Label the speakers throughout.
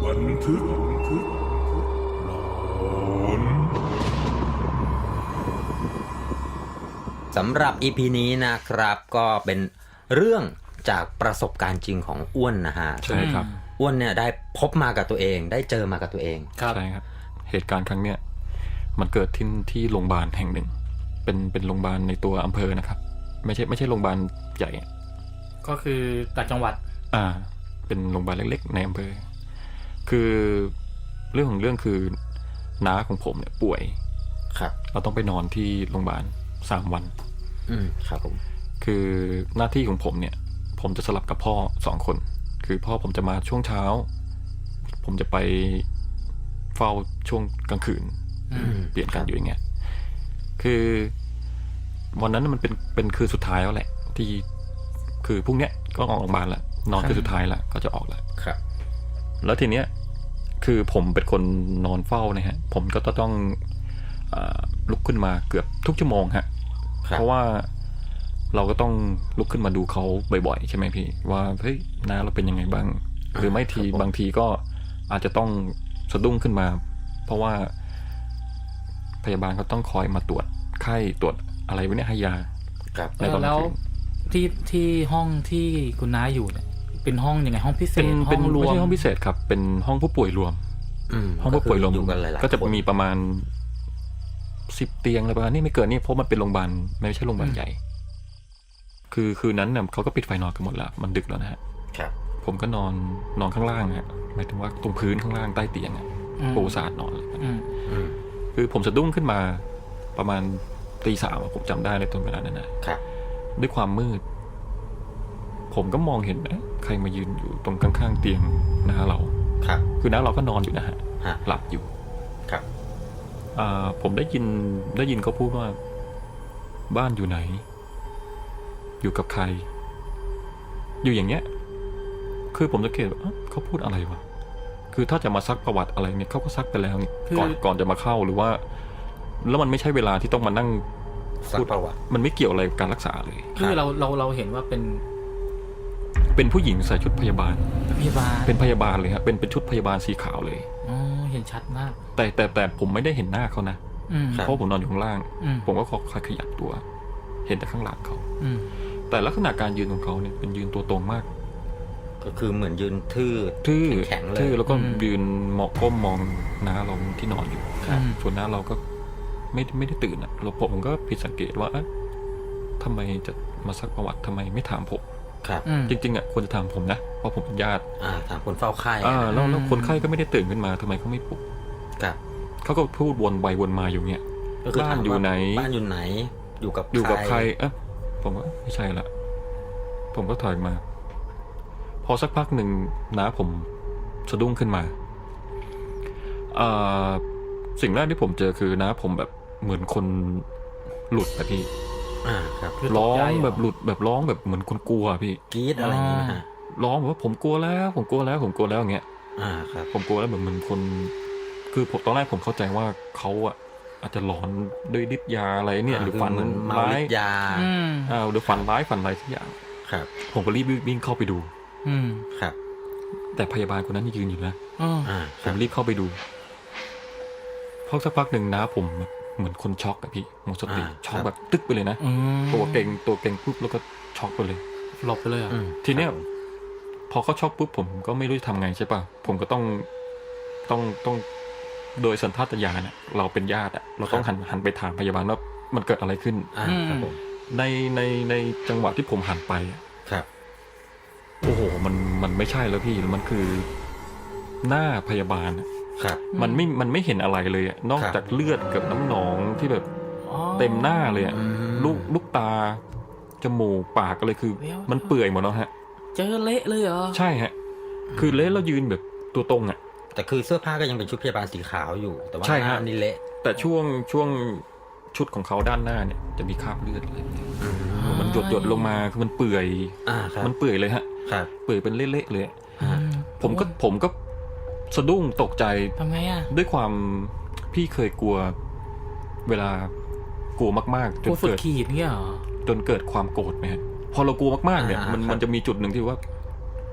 Speaker 1: บันทึกหลอน
Speaker 2: สำหรับ EP นี้นะครับก็เป็นเรื่องจากประสบการณ์จริงของอ้วนนะฮะ
Speaker 3: ใช่ครับ
Speaker 2: อ้วนเนี่ยได้พบมากับตัวเองได้เจอมากับตัวเอง
Speaker 3: ใช่ครับเหตุการณ์ครั้งเนี้ยมันเกิดที่โรงพยาบาลแห่งหนึ่งเป็นโรงพยาบาลในตัวอำเภอนะครับไม่ใช่โรงพยาบาลใหญ่
Speaker 4: ก็คือต่างจังหวัด
Speaker 3: เป็นโรงพยาบาลเล็กๆในอำเภอคือเรื่องของเรื่องคือน้าของผมเนี่ยป่วย
Speaker 2: ครับ
Speaker 3: เราต้องไปนอนที่โรงพยาบาล3 วัน
Speaker 2: ครับผม
Speaker 3: คือหน้าที่ของผมเนี่ยผมจะสลับกับพ่อ2 คนคือพ่อผมจะมาช่วงเช้าผมจะไปเฝ้าช่วงกลางคืนเปลี่ยนกันอยู่อย่างเงี้ยคือวันนั้นมันเป็นคืนสุดท้ายแล้วแหละที่คือพรุ่งเนี้ยก็ออกโรงพยาบาลแล้วนอนคืนสุดท้ายแล้วก็จะออกแล้ว
Speaker 2: ครับ
Speaker 3: แล้วทีเนี้ยคือผมเป็นคนนอนเฝ้านะฮะผมก็ต้องลุกขึ้นมาเกือบทุกชั่วโมงฮะเพราะว่าเราก็ต้องลุกขึ้นมาดูเขาบ่อยๆใช่ไหมพี่ว่าเฮ้ยน้าเราเป็นยังไงบ้างหรือไม่ทีบางทีก็อาจจะต้องสะดุ้งขึ้นมาเพราะว่าพยาบาลเขาต้องคอยมาตรวจไข้ตรวจอะไรพวกนี้ให้ยา
Speaker 4: ในตอนแล้วที่ห้องที่คุณน้าอยู่เนี่ยเป็นห้องยังไงห้องพิเศษห้องรวม
Speaker 3: ไม่ใช่ห้องพิเศษครับเป็นห้องผู้ป่วยรวมห้องผู้ป่วยรวมก็จะมีประมาณ10 เตียงอะไรประมาณนี้ไม่เกินนี่เพราะมันเป็นโรงพยาบาลไม่ใช่โรงพยาบาลใหญ่คือนั้นเนี่ยเขาก็ปิดไฟนอนกันหมดแล้วมันดึกแล้วนะฮะผมก็นอนข้างล่างฮะหมายถึงว่าตรงพื้นข้างล่างใต้เตียงอ่ะปูสาดนอนเลยคือผมสะดุ้งขึ้นมาประมาณตี 3ผมจำได้เลยตอนเวลานั้นนะด้วยความมืดผมก็มองเห็นใครมายืนอยู่ตรงข้างๆเตียงน้าเราคือน้าเราก็นอนอยู่นะฮะหลับอยู่ผมได้ยินเขาพูดว่าบ้านอยู่ไหนอยู่กับใครอยู่อย่างเงี้ยคือผมสังเกตว่าเขาพูดอะไรวะคือถ้าจะมาซักประวัติอะไรเนี่ยเขาก็ซักไปแล้วนี่ก่อนจะมาเข้าหรือว่าแล้วมันไม่ใช่เวลาที่ต้องมานั่ง
Speaker 2: พูดประวัติ
Speaker 3: มันไม่เกี่ยวอะไรกับการรักษาเลย
Speaker 4: คือเราเห็นว่า
Speaker 3: เป็นผู้หญิงใส่ชุดพยาบาลเป็นพยาบาลเลยครับเป็นชุดพยาบาลสีขาวเลย
Speaker 4: เห็นชัดมาก
Speaker 3: แต่ผมไม่ได้เห็นหน้าเขานะเพราะผมนอนอยู่ข้างล่างผมก็คอยขยับตัวเห็นแต่ข้างหลังเขาแต่ลักษณะการยืนของเขาเนี่ยเป็นยืนตัวตรงมาก
Speaker 2: ก็คือเหมือนยืนทื่อแข็งเลย
Speaker 3: แล้วก็ยืนมองก้มมองน้าเราที่นอนอยู่ส่วนน้าเราก็ไม่ได้ตื่นอ่ะผมก็ผิดสังเกตว่าทำไมจะมาซักประวัติทำไมไม่ถามผมจริงๆอ่ะควรจะถามผมนะเพราะผมเป็นญาติ
Speaker 2: ถามคนเฝ้าไข้
Speaker 3: แล้วคนไข้ก็ไม่ได้ตื่นขึ้นมาทำไมเขาไม่ปลุกเขาก็พูดวนไปวนมาอยู่เนี่ยบ้านอยู่ไหนอยู่กับใครผมว่าไม่ใช่ละผมก็ถอยมาพอสักพักหนึ่งน้าผมสะดุ้งขึ้นมาสิ่งแรกที่ผมเจอคือน้าผมแบบเหมือนคนหลุดอะพี่ร้องแบบหลุดแบบร้องแบบเหมือนคนกลัวพี่
Speaker 2: กรี๊ดอะไรอย่างเงี้ยฮะ
Speaker 3: ร้องแบบว่าผมกลัวแล้วอย่างเงี้ย
Speaker 2: ครับ
Speaker 3: ผมกลัวแล้วแบบเหมือนคนคือผมตอนแรกผมเข้าใจว่าเขาอาจจะหลอนด้วยฤทธิ์ยาอะไรเนี่ยหรือฝันร้าย
Speaker 2: ยา
Speaker 3: หรือฝันร้ายฝันอะไรสักอย่างผมก็รีบวิ่งเข้าไปดู
Speaker 2: ครับ
Speaker 3: แต่พยาบาลคนนั้นยืนอยู่นะผมรีบเข้าไปดูพอสักพักหนึ่งนะผมเหมือนคนช็อกอะพี่หมดสติช็อกแบบตึ๊กไปเลยนะตัวเก่งปุ๊บแล้วก็ช็อกไปเลย
Speaker 4: หลบไปเลย
Speaker 3: ทีเนี้ยพอเขาช็อกปุ๊บผมก็ไม่รู้จะทำไงใช่ป่ะผมก็ต้องโดยสัญชาตญาณเนี่ยเราเป็นญาติเราต้องหันไปถามพยาบาลว่ามันเกิดอะไรขึ้นในจังหวะที่ผมหันไปโอ้โหมันไม่ใช่แล้วพี่มันคือหน้าพยาบาลมันไม่เห็นอะไรเลยนอกจากเลือดกับน้ำหนองที่แบบเต็มหน้าเลยลูกตาจมูกปากอะไรคือมันเปื่อยหมดแล้วฮะ
Speaker 4: เจอเละเลยเหรอ
Speaker 3: ใช่ฮะคือเละแล้วยืนแบบตัวตรง
Speaker 2: แต่คือเสื้อผ้าก็ยังเป็นชุดพยาบาลสีขาวอยู่แต่ว่าหน้านี่เละ
Speaker 3: แต่ช่วงชุดของเขาด้านหน้าเนี่ยจะมีคราบเลือดอะไรมันหยดลงมาคือมันเปื่อยมันเปื่อยเลยฮะเปื่อยเป็นเละๆเลยผมก็สะดุ้งตกใจ
Speaker 4: ทำไม
Speaker 3: ด้วยความพี่เคยกลัวเวลากลัวมากๆ
Speaker 4: จนเกิดขีดเนี่ย
Speaker 3: จนเกิดความโกรธไหมฮะพอเรากลัวมากๆเนี่ยมันจะมีจุดหนึ่งที่ว่า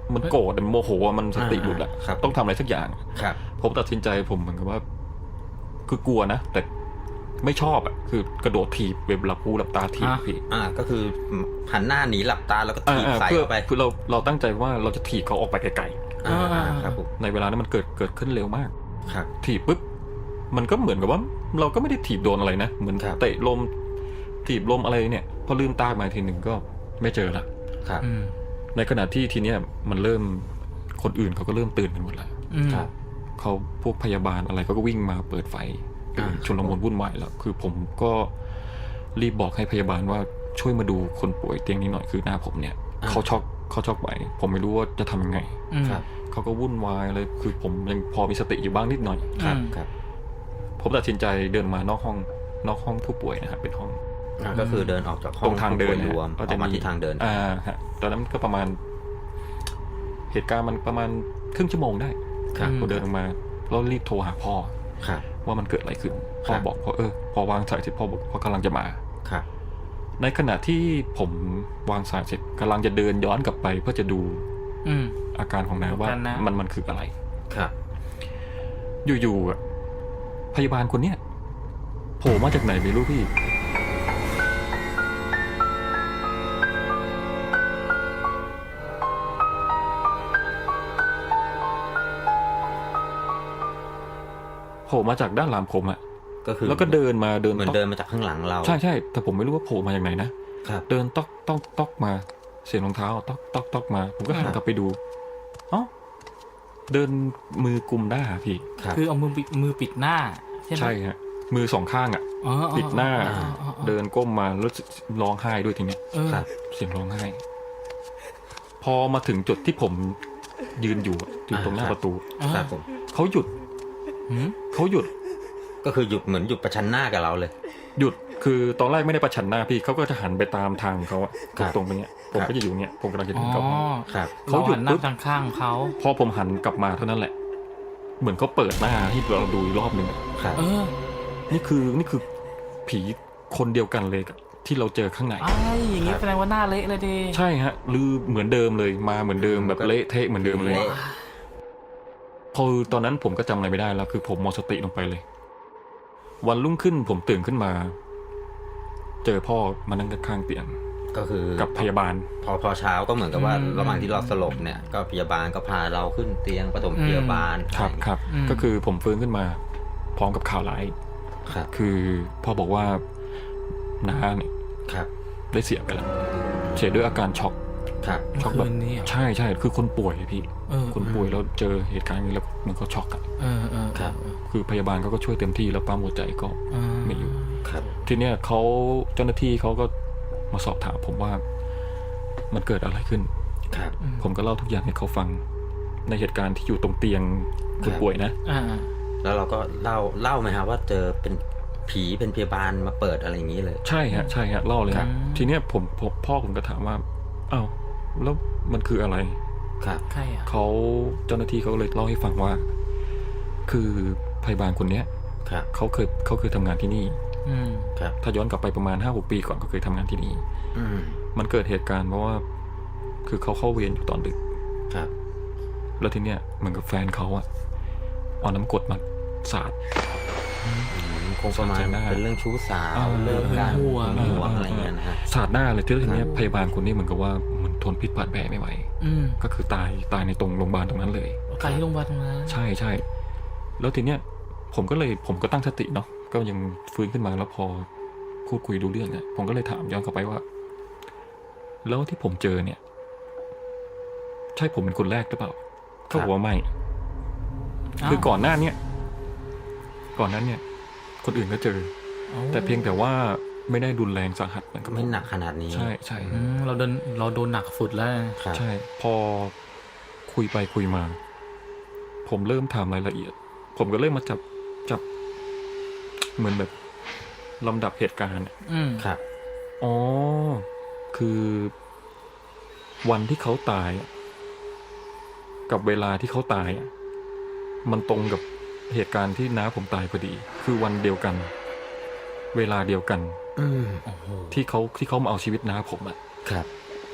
Speaker 3: มันโกรธมันโมโหมันสติหลุดอะต้องทำอะไรสักอย่างผมตัดสินใจผมเหมือนกับว่าคือกลัวนะแต่ไม่ชอบอะคือกระโดดถีบหลับหูหลับตาถีบพี่
Speaker 2: ก็คือหันหน้าหนีหลับตาแล้วก็ถีบใส่เข้าไป
Speaker 3: คือเราตั้งใจว่าเราจะถีบเขาออกไปไกลๆ
Speaker 2: ครับ
Speaker 3: ในเวลานั้นมันเกิดขึ้นเร็วมากถีบปุ๊บมันก็เหมือนกับว่าเราก็ไม่ได้ถีบโดนอะไรนะเหมือนเตะลมถีบลมอะไรเนี่ยพอลืมตามาทีหนึ่งก็ไม่เจอละในขณะที่ทีเนี้ยมันเริ่มคนอื่นเขาก็เริ่มตื่นกันหมดแล้วเขาพวกพยาบาลอะไรก็วิ่งมาเปิดไฟชุลมุนวุ่นวายแล้วคือผมก็รีบบอกให้พยาบาลว่าช่วยมาดูคนป่วยเตียงนี้หน่อยคือหน้าผมเนี่ยเขาช็อกไหวผมไม่รู้ว่าจะทำยังไงเขาก็วุ่นวายเลยคือผมยังพอมีสติอยู่บ้างนิดหน่อยครับผมตัดสินใจเดินมานอกห้องผู้ป่วยนะครับเป็นห้อง
Speaker 2: ก็คือเดินออกจากห้อง
Speaker 3: ตรงทางเดิน
Speaker 2: รวมออกมาที่ทางเดิน
Speaker 3: ฮะตอนนั้นก็ประมาณเหตุการณ์มันประมาณครึ่งชั่วโมงได้ผมเดินออกมาแล้วรีบโทรหาพ่อว่ามันเกิดอะไรขึ้นพ่อบอกพอวางสายเสร็จพ่อบอกพ่อกำลังจะมาในขณะที่ผมวางสายเสร็จกำลังจะเดินย้อนกลับไปเพื่อจะดูอาการของน้าว่ามันคืออะไรอยู่ๆพยาบาลคนเนี้ยโผล่มาจากไหนไม่รู้พี่โผล่มาจากด้านหลังผมอะ
Speaker 2: ก็คือ
Speaker 3: แล้วก็เดินมา
Speaker 2: เหมือนเดินมาจากข้างหลังเรา
Speaker 3: ใช่แต่ผมไม่รู้ว่าโผล่มาจากไหนนะเดินต๊อกมาเสียงรองเท้าต๊อกมาผมก็หันกลับไปดูเดินมือกุมหน้าพี่
Speaker 4: คือเอามือปิดหน้า
Speaker 3: ใช่ฮะมือสองข้างปิดหน้าเดินก้มมาแล้วร้องไห้ด้วยทีเนี้ยเสียงร้องไห้พอมาถึงจุดที่ผมยืนอยู่ตรงหน้าประตูเขาหยุด
Speaker 2: ก็คือหยุดเหมือนหยุดประชันหน้ากับเราเลย
Speaker 3: หยุดคือตอนแรกไม่ได้ประชันหน้าพี่เขาก็จะหันไปตามทางเขาตรงไปเนี้ยผมก็จะอยู่เนี้ยผมกำลังจะเดินกลับ
Speaker 4: เขาหยุดหน้าทางข้างเขา
Speaker 3: พอผมหันกลับมาเท่านั้นแหละเหมือนเขาเปิดหน้าให้เราดูอีกรอบนึงนี่คือผีคนเดียวกันเลยที่เราเจอข้างใน
Speaker 4: อย่างนี้แสดงว่าหน้าเละเลยดิ
Speaker 3: ใช่ฮะหรือเหมือนเดิมเลยมาเหมือนเดิมแบบเละเทะเหมือนเดิมเลยพอตอนนั้นผมก็จำอะไรไม่ได้แล้วคือผมหมดสติลงไปเลยวันรุ่งขึ้นผมตื่นขึ้นมาเจอพ่อมานั่งข้างเตียง
Speaker 2: ก็คือ
Speaker 3: กับพยาบาล
Speaker 2: พอเช้าก็เหมือนกับว่าระหว่างที่เราสลบเนี่ยก็พยาบาลก็พาเราขึ้นเตียงปฐมพยาบาล
Speaker 3: ครับก็คือผมฟื้นขึ้นมาพร้อมกับข่าวร้ายคือพ่อบอกว่าน้าเนี่ยได้เสียไปแล้วเสียด้วยอาการช็อกแบบใช่คือคนป่วยพี่คนป่วยแล้วเจอเหตุการณ์นี้แล้วมันก็ช็อกคือพยาบาลเขาก็ช่วยเต็มที่แล้วปั๊มหัวใจก็ไม่อยู่ทีเนี้ยเจ้าหน้าที่เขาก็มาสอบถามผมว่ามันเกิดอะไรขึ้นผมก็เล่าทุกอย่างให้เขาฟังในเหตุการณ์ที่อยู่ตรงเตียงคนป่วยนะ
Speaker 2: แล้วเราก็เล่าไหมฮะว่าเจอเป็นผีเป็นพยาบาลมาเปิดอะไรอย่างนี้เลย
Speaker 3: ใช่ฮะเล่าเลยฮะทีเนี้ยพ่อผมก็ถามว่าอ้าวแล้วมันคืออะไร
Speaker 4: ใครอ่ะ
Speaker 3: เจ้าหน้าที่เขาเลยเล่าให้ฟังว่าคือพยาบาลคนเนี้ยเขาเคยทำงานที่นี่ถ้าย้อนกลับไปประมาณ 5-6 ปีก่อนก็เคยทำงานที่นี่มันเกิดเหตุการณ์เพราะว่าคือเขาเข้าเวรอยู่ตอนดึกแล้วทีเนี้ยเหมือนกับแฟนเขาอะเอาน้ำกรดมาสาด
Speaker 2: คงประมาณเป็นเรื่องชู้สาวเรื่องการห่วงอะไรเงี้ยนะฮะ
Speaker 3: สาดหน้าเลยทีนี้พยาบาลคนนี้เหมือนกับว่ามันทนพิษบาดแผลไม่ไหวก็คือตายในตรงโรงพยาบาลตรงนั้นเลย
Speaker 4: ตายที่โรงพยาบาลตรงนั้น
Speaker 3: ใช่แล้วทีเนี้ยผมก็ตั้งสติเนาะก็ยังฟื้นขึ้นมาแล้วพอพูดคุยดูเรื่องเนี่ยผมก็เลยถามย้อนกลับไปว่าแล้วที่ผมเจอเนี่ยใช่ผมเป็นคนแรกหรือเปล่าเขาบอกว่าไม่คือก่อนหน้าเนี่ยคนอื่นก็เจอแต่เพียงแต่ว่าไม่ได้รุนแรงสาหัส
Speaker 2: ไม่หนักขนาดนี้
Speaker 3: ใช่
Speaker 4: เราโดนหนักสุดแล้ว
Speaker 3: ใช่พอคุยไปคุยมาผมเริ่มถามรายละเอียดผมก็เริ่มมาจับเหมือนแบบลำดับเหตุการณ์
Speaker 2: ครับ
Speaker 3: คือวันที่เขาตายกับเวลาที่เขาตายมันตรงกับเหตุการณ์ที่น้าผมตายพอดีคือวันเดียวกันเวลาเดียวกันที่เขามาเอาชีวิตน้าผม
Speaker 2: ครับ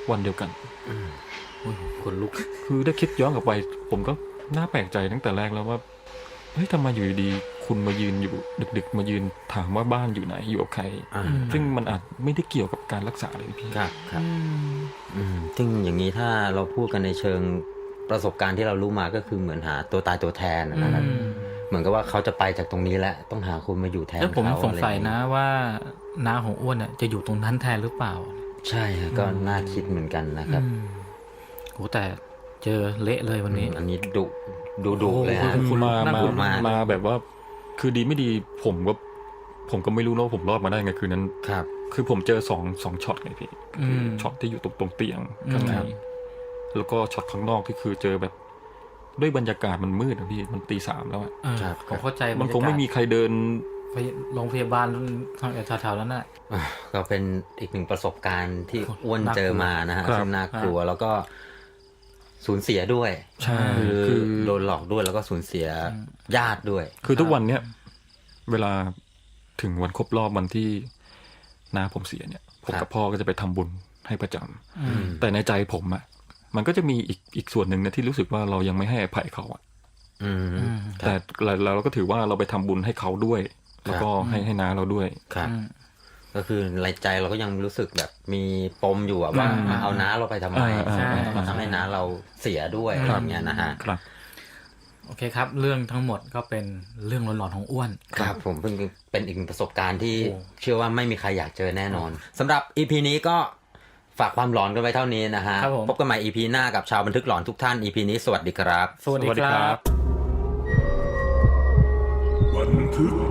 Speaker 3: วันเดียวกัน
Speaker 2: คนลุก
Speaker 3: คือได้คิดย้อนกลับไปผมก็น่าแปลกใจตั้งแต่แรกแล้วว่าเฮ้ยทำไมอยู่ดีๆคุณมายืนอยู่ดึกๆมายืนถามว่าบ้านอยู่ไหนอยู่กับใคร ซึ่งมันอาจไม่ได้เกี่ยวกับการรักษาเลยพี่
Speaker 2: ครับซึ่งอย่างนี้ถ้าเราพูดกันในเชิงประสบการณ์ที่เรารู้มาก็คือเหมือนหาตัวตายตัวแทนนะครับเหมือนกับว่าเขาจะไปจากตรงนี้แล้วต้องหาคุณมาอยู่แทน
Speaker 4: แล้วผม
Speaker 2: เขา
Speaker 4: สงสัย
Speaker 2: อไร
Speaker 4: นะว่าน้าของอ้วนเนี่ยจะอยู่ตรงนั้นแทนหรือเปล่า
Speaker 2: ใช่ฮะก็น่าคิดเหมือนกันนะครับ
Speaker 4: โหแต่เจอเละเลยวันนี้
Speaker 2: อันนี้ดุเลยฮะ
Speaker 4: คุณ
Speaker 3: มา
Speaker 4: น่ากลัวมาก
Speaker 3: มาแบบว่า คือดีไม่ดีผมก็ไม่รู้นะว่าผมรอดมาได้ไงคืนนั้น
Speaker 2: ครับ
Speaker 3: คือผมเจอสองช็อตไงพี่คือช็อตที่อยู่ตรงเตียงข้างในแล้วก็ช็อตข้างนอกที่คือเจอแบบด้วยบรรยากาศมันมืดนะพี่มันตี 3แล้วอะ
Speaker 2: ครับ
Speaker 4: ผมเข้าใจ
Speaker 3: มันคงไม่มีใครเดิน
Speaker 4: โรงพยาบาลทางแถวๆนั้นน่ะ
Speaker 2: ก็เป็นอีกหนึ่งประสบการณ์ที่อ้วนเจอมานะฮะ
Speaker 3: ครับ
Speaker 2: ซึ่งน่ากลัวแล้วก็สูญเสียด้วย
Speaker 3: ใช่
Speaker 2: คือโดนหลอกด้วยแล้วก็สูญเสียญาติด้วย
Speaker 3: คือทุกวันเนี้ยเวลาถึงวันครบรอบวันที่น้าผมเสียเนี่ยผมกับพ่อก็จะไปทำบุญให้ประจำแต่ในใจผมอะมันก็จะมีอีกส่วนหนึ่งนะที่รู้สึกว่าเรายังไม่ให้อภัยเขาอะแต่เราก็ถือว่าเราไปทำบุญให้เขาด้วย แล้วก็ให้น้าเราด้วย
Speaker 2: ครับ ก็คือในใจเราก็ยังรู้สึกแบบมีปมอยู่อะว่าเอาน้าเราไปทำไม
Speaker 4: ใช่
Speaker 2: ทำให้น้าเราเสียด้วยอะไรอย่างเงี้ยนะฮะ
Speaker 3: ครับ
Speaker 4: โอเคครับ เรื่องทั้งหมดก็เป็นเรื่องหลอนๆของอ้วน
Speaker 2: ครับผมเพิ่งเป็นอีกหนึ่งประสบการณ์ที่
Speaker 4: โอ้
Speaker 2: เชื่อว่าไม่มีใครอยากเจอแน่นอนสำหรับ EP นี้ก็ฝากความหลอนกันไว้เท่านี้นะฮะ
Speaker 4: ครับผม
Speaker 2: พบกันใหม่ EP หน้ากับชาวบันทึกหลอนทุกท่าน EP นี้สวัสดีครับ
Speaker 4: สวัสดี
Speaker 3: สวัสดี
Speaker 4: ค
Speaker 3: ครั
Speaker 4: รับ
Speaker 3: บ
Speaker 1: บันทึก